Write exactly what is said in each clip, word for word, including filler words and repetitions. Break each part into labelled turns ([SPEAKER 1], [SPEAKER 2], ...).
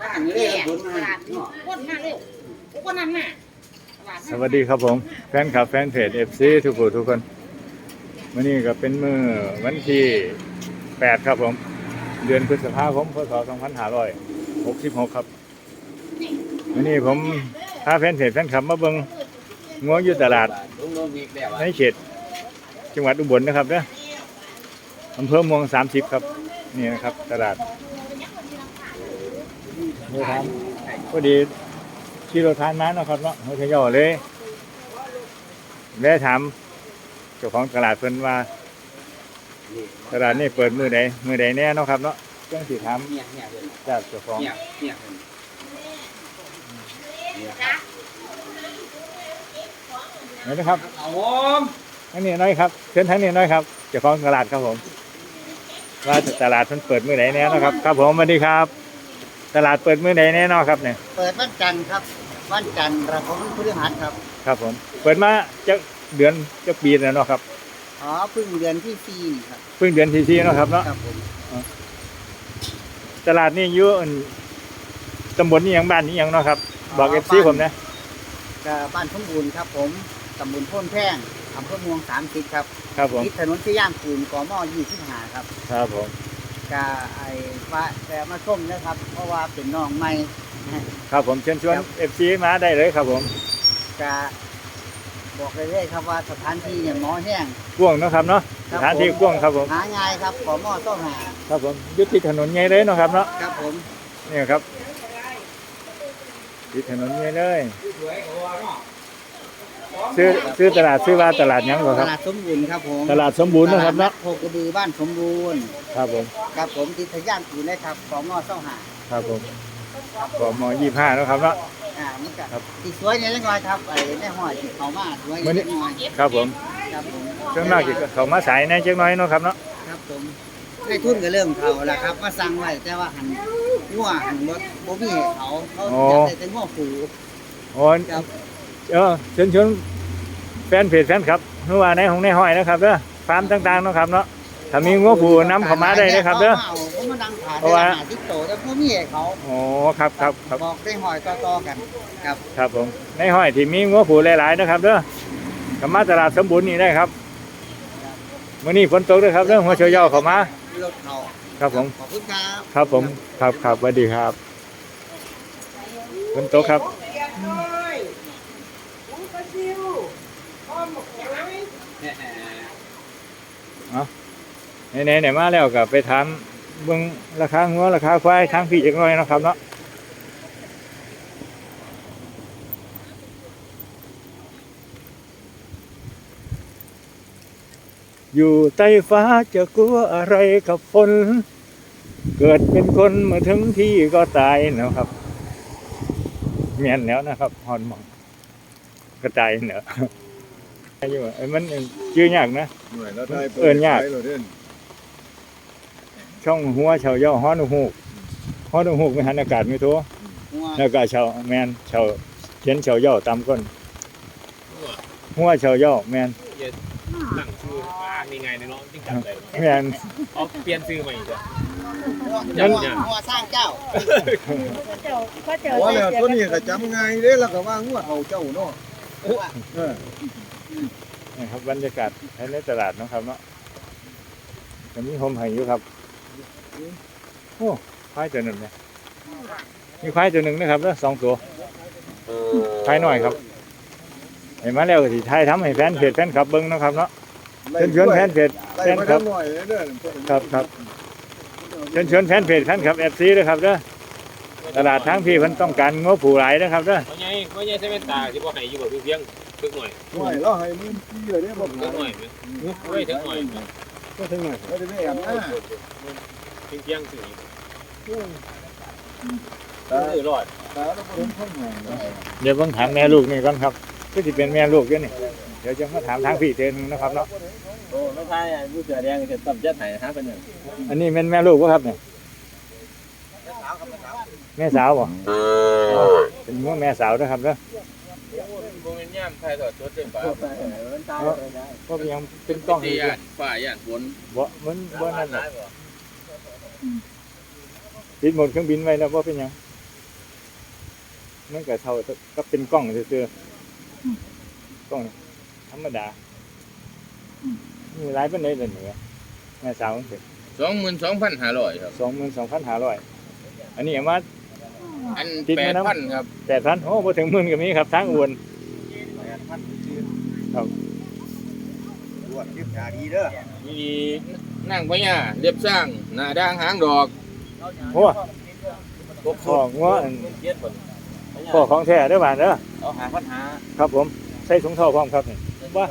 [SPEAKER 1] สวัสดีครับผมแฟนคลับแฟนเพจ เอฟ ซี ทุกผู้ทุกคนวันนี้ก็เป็นมื้อวันที่แปดครับผมเดือนพฤษภาคมพศสองพันห้าร้อยหกสิบหกครับวันนี้ผมพาแฟนเพจแฟนคลับมาเบิ่งงัวอยู่ตลาดในเขตจังหวัดอุบลนะครับเด้ออำเภอเมืองสามสิบครับนี่นะครับตลาดนี่ครับพอดีที่เราทานมาเนาะครับเนาะเขาจะย่อเลยแวะถามเจ้าของตลาดเพิ่นว่าตลาดนี่เปิดมื้อใดมื้อใดแน่เนาะครับเนาะจังสิถามจากเจ้าของนี่นะครับอันนี้น้อยครับเชิญทั้งนี้น้อยครับเจ้าของตลาดครับผมว่าตลาดมันเปิดมื้อใดแน่เนาะครับครับผมสวัสดีครับตลาดเปิดมื้อใดแน่เนาะครับเนี่ย
[SPEAKER 2] เปิดวันจันทร์ครับวันจันทร์ระผมพฤหัสครับ
[SPEAKER 1] ครับผมเปิดมาจะเดือนจะปีแล้วเนาะครับ
[SPEAKER 2] อ๋อเพิ่งเดือนที่สี่ครับ
[SPEAKER 1] เพิ่งเดือนที่สี่เนาะครับเนาะ
[SPEAKER 2] ครับผม
[SPEAKER 1] ตลาดนี่อยู่ตำบลนี่ยังบ้านนี่ยังเนาะครับบอกเอฟซีผมนะ
[SPEAKER 2] บ้านสมบูรณ์ครับผมตำบลโพนแพงอำเภอเมืองสามสิบครับ
[SPEAKER 1] ครับผม
[SPEAKER 2] ติดถนนสยามคูนกมยี่สิบห้าครับ
[SPEAKER 1] ครับผม
[SPEAKER 2] กะไอ้ว่าแต่มาชมนะครับเพราะว่าเป็นน้องใหม่
[SPEAKER 1] ครับผมเชิญชวนเอฟซีมาได้เลยครับผม
[SPEAKER 2] กะบอกเลยเลยครับว่าสถานที่เนี่ยหมอแห้ง
[SPEAKER 1] กว้างเนาะครับเนาะสถานที่กว้างครับผม
[SPEAKER 2] หาง่ายครับกมต้องหา
[SPEAKER 1] ครับผมยึดติดถนนใหญ่เลยเนาะครับเนาะ
[SPEAKER 2] ครับผม
[SPEAKER 1] นี่ครับติดถนนใหญ่เลยซื้อซื้อตลาดซื้อว่าตลาดยังเหรอครับ
[SPEAKER 2] ตลาดสมบูรณ์ครับผม
[SPEAKER 1] ตลาดสมบูรณ์นะครับเนาะ
[SPEAKER 2] โคกระบือบ้านสมบูรณ์
[SPEAKER 1] ครับผม
[SPEAKER 2] ครับผมติดทะย่านคูนเลยครับกมต้องหา
[SPEAKER 1] ครับผมกมยี่สิบห้าเนาะครับเนาะ
[SPEAKER 2] อ่านี่ก็ติดสวยเนี่ยเล็กน้อยครับไอ้แม่ห้อยติดเขามาสวยเล็กน้อย
[SPEAKER 1] ครับผม
[SPEAKER 2] ครับผม
[SPEAKER 1] เจ้าหน้าที่เขามาสายในเจ้าน้อยเนาะครับเนาะ
[SPEAKER 2] ครับผมได้ทุนก็เริ่มเขาแล้วครับมาสั่งไว้แต่ว่าหันงัวหันรถโบมี่เขาเขาอยากได้แต่งัวฝู
[SPEAKER 1] โอ้ครับเออเชิญชวนแฟนเพจแฟนครับเมื่อวานในของในห้อยนะครับเด้อฟาร์มต่างๆเนาะครับเนาะถ้ามีงัวผูน้ำเข้ามาได้นะครับเด้อ
[SPEAKER 2] เพราะว่าติดโตแต่พวกมีเขา
[SPEAKER 1] โอ้ครับครับครับ
[SPEAKER 2] บอกได้หอยต่อๆกันครับ
[SPEAKER 1] ครับผมในห้อยที่มีงัวผูหลายๆนะครับเด้อเข้ามาตลาดสมบูรณ์นี่ได้ครับมื้อนี้ฝนตกด้วยครับเด้อหัวเฉียวย่อเข้ามาร
[SPEAKER 2] ถเขา
[SPEAKER 1] ครับผม
[SPEAKER 2] ขอบคุณครับ
[SPEAKER 1] ครับผมครับครับสวัสดีครับฝนตกครับเอาไหนๆไหนมาแล้วก็ไปถามเบิ่งราคางัวราคาควายทางพี่จักหน่อยนะครับเนาะอยู่ใต้ฟ้าจะกลัวอะไรกับฝนเกิดเป็นคนเมื่อถึงที่ก็ตายนะครับเมียนแล้วนะครับฮอนมองกระจายเนอะอยู่ไอ้มันชื่อยากนะเอิ้นยากช่องหัวเฉาย่อฮ้อนหูกฮ้อนหูกไม่หันอากาศไม่ทั่วแล้วก็เฉาแมนเฉาเขียนเฉาย่อตามก้นหัวเฉาย่อแมน
[SPEAKER 3] ตั้งชื่อมีไงในน้องจริงจังเลย
[SPEAKER 1] แมน
[SPEAKER 3] เอาเปลี่ยนชื่อใหม่จ้ะ
[SPEAKER 2] หัวสร้างเจ้า
[SPEAKER 4] ว่าแล้วตัวนี้ก็จำไงเด้แล้วก็ว่าหัวเขาเจ้าเนาะ
[SPEAKER 1] นี่ครับบรรยากาศในตลาดนะครับเนาะจะมีโฮมไห่อยู่ครับโอ้ควายตัวหนึ่งเนี่ยมีควายตัวหนึ่งนะครับแล้วสองตัวควายหน่อยครับเห็นมาแล้วที่ไทยทำให้แฟนเพจแฟนคลับเบิ้งนะครับเนาะเชิญชวนแฟนเพจแฟนคลับครับครับเชิญชวนแฟนเพจแฟนคลับเอฟซีด้วยครับเด้อตลาดทั้งพี่มันต้องการงบผู้หลายนะครับเด้อ
[SPEAKER 3] ว่าไงว่าไงใช้เป็นตาที่ว่าให้อยู่แบบเพียงถึงหน่อย
[SPEAKER 4] หน่อยแล้วให้มึงพี่เลยเนี่ยบอก
[SPEAKER 3] ถึงหน่อยไม่ถึงหน่อย
[SPEAKER 4] ก็ถึงหน่อยก็จะได้แอบนะ
[SPEAKER 3] เพียงเพียงสื่อตาหลอด
[SPEAKER 4] ตาเราเป็นข้างใน
[SPEAKER 1] เดี๋ยวผมถามแม่ลูกนี่ก่อนครับก็จะเป็นแม่ลูกด้วยนี่เดี๋ยวจะมาถามทางพี่เทนนะครับเนาะ
[SPEAKER 3] โอ้ไม่ใช่ผู้เสือแดงจะตับยัดไหนฮะเป็นหนึ่ง
[SPEAKER 1] อันนี้เป็นแม่ลูกป่ะครับเนี่ยแม่สาวป่ะเป็นแม่สาวนะครับเนาะ
[SPEAKER 3] โมเมนต์ย่ำไทยถอดชุดเต็มปาก
[SPEAKER 1] เพราะยังเป็นกล้อง
[SPEAKER 3] ดีอ่ะฝ่ายอ่ะบน
[SPEAKER 1] บ่มันบ่นั่นหรอกติดหมดเครื่องบินไว้แล้วว่าเป็นยังมันก็เท่าก็เป็นกล้องซื่อๆกล้องธรรมดามีหลายปานใดล่ะนี่แม่สาวเพิ่น
[SPEAKER 5] สองหมื่นสองพันห้าร้อยครับ
[SPEAKER 1] สองหมื่นสองพันห้าร้อยอันนี้เอามา
[SPEAKER 5] อัน
[SPEAKER 1] ติด
[SPEAKER 5] แป
[SPEAKER 1] ไหม
[SPEAKER 5] ด
[SPEAKER 1] น้ำ
[SPEAKER 5] พันครับ
[SPEAKER 1] แปดพันโอ้บ่ถึงหมื่นก็มีครับทางอ้วน
[SPEAKER 4] ตรวจเก็บยาดีเด้อ
[SPEAKER 5] มีนั่งพญาเรียบสร้างหน้าด่างหางดอก
[SPEAKER 1] โอ้พ่องัวอันพ่อของแท้เด้อบาดเด้อ
[SPEAKER 2] เอาหาปัญหา
[SPEAKER 1] ครับผมใส่ถุงเท้าพร้อมครับนี่ว่า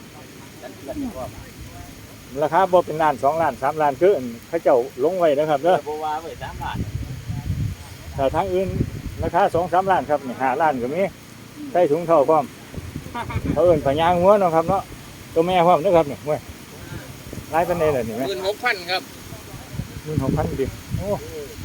[SPEAKER 1] ราคาบ่เป็นล้านสองล้านสามล้านคืออันเขาเจ้าลงไว้นะครับเด้อ
[SPEAKER 2] บ่ว่าไว้สามบาท
[SPEAKER 1] ถ้าทางอื่นราคาสองสามล้านครับนี่ห้าล้านก็มีใส่ถุงเท้าพร้อมเขาเอิ้นพญางัวเนาะครับเนาะตัวแม่พร้อมเด้อครับนี่เว้ยหลายปานใดล่ะนี่
[SPEAKER 5] ห
[SPEAKER 1] แม่
[SPEAKER 5] มื่นหกพันครับ
[SPEAKER 1] หมื่นหกพันดิโอ้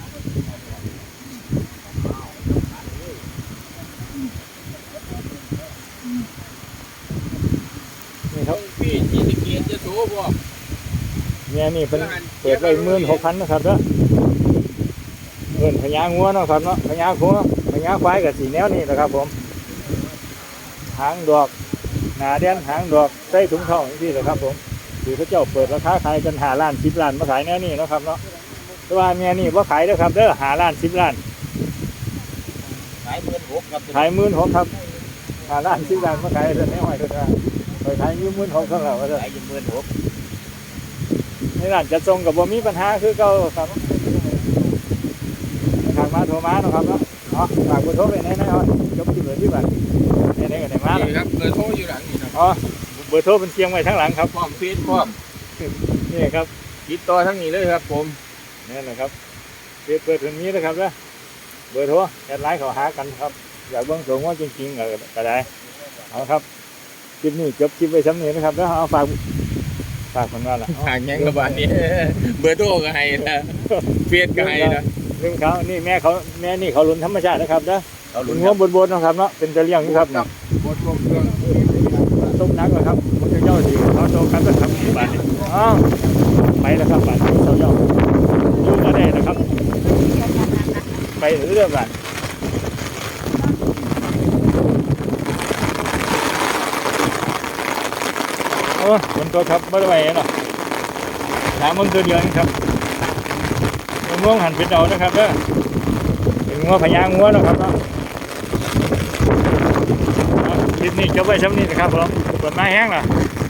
[SPEAKER 1] นี่ครับ
[SPEAKER 5] พี่จีสเกียรจะโสพวก
[SPEAKER 1] เนี่ยนี่เป็นเปิดไว้หมื่นหกพันนะครับเด้อเงินพญางัวเนาะครับเนาะพญางัวพญาควายกับสีแนวนี่นะครับผมหางดอกหนาแดนหางดอกใส่ถุงทองนี่แหละครับผมคือพระเจ้าเปิดราคาขายกันหาล้านสิบล้านมาขายแนวนี้เนาะครับเนาะแต่ว่าเมียนี่ว่าขายเด้อครับเด้อหาล้านสิบล้าน
[SPEAKER 2] ขายหมื่นหกครับ
[SPEAKER 1] ขายหมื่นหกครับหาล้านสิบล้านมาขายเรื่องนี้หอยเด้อครับไปขายยืมหมื่นหกเท่าไหร่วะเด้อ
[SPEAKER 2] ขายอยู่หมื่นหก
[SPEAKER 1] ในร้านจะส่งกับบ่มีปัญหาคือเก่าครับทางมาโทรมาเนาะครับเนาะเนาะฝากเบอร์โทรไปไหนๆเอาจบที่เบอร์ที่บ้านไหนๆก็ได้มา
[SPEAKER 5] นี่
[SPEAKER 1] แล้ว
[SPEAKER 5] ครับเบอร์โทรอยู่หลังนี่นะ
[SPEAKER 1] อ๋อเบอร์โทรเป็นเชียงไว้ทั้งหลังครับ
[SPEAKER 5] พร้อมเฟซพร้อม
[SPEAKER 1] นี่ครับ
[SPEAKER 5] ติดต่อทั้งนี้เลยครับผม
[SPEAKER 1] นี่แหละครับเปิดเปิดถึงนี้นะครับนะเบอร์โทรแอดไลน์เขาหากันครับอยากเบิ่งสูงว่าจริงๆก็ก็ได้เอาครับคลิปนี้จบคลิปไว้ซ้ำนี้นะครับแล้วเอาฝากฝากคนว่าล่ะ
[SPEAKER 5] ห่างยังระบาดนี้ เบอร์โทรก็ให้นะเฟซก็ให้นะ
[SPEAKER 1] ลืมเขานี่แม่เขาแม่นี่เขาหลุนธรรมชาตินะครับนะ
[SPEAKER 5] เอา
[SPEAKER 1] ห
[SPEAKER 5] ลุ้
[SPEAKER 1] ลุ
[SPEAKER 5] น
[SPEAKER 1] น
[SPEAKER 5] ค
[SPEAKER 1] หั
[SPEAKER 5] รั
[SPEAKER 1] ว
[SPEAKER 5] บบ
[SPEAKER 1] นๆนะครับเนาะเป็นตะเลียงนี่ครับเนาะ
[SPEAKER 5] บทลงเครื่อง
[SPEAKER 1] ต้มนักเหรอครับมันจะเจ้าสีเขาโตกันก็ทำที่บ้านนี่อ้าวไปแล้วครับบ้านนี้เขาเจ้าอยู่มาได้นะครับ ไปเรื่องบ้านโอ้ฝนตกครับไม่ได้ไหวเนาะถามมึงตัวเดียวนี่ครับง่วงหันเป็นเอานะครับเด้อเป็นงัวพญางัวเนาะครับเนาะคลิปนี้จบไว้ซ้ำนี้นะครับผมกดไม้แห้งล่ะ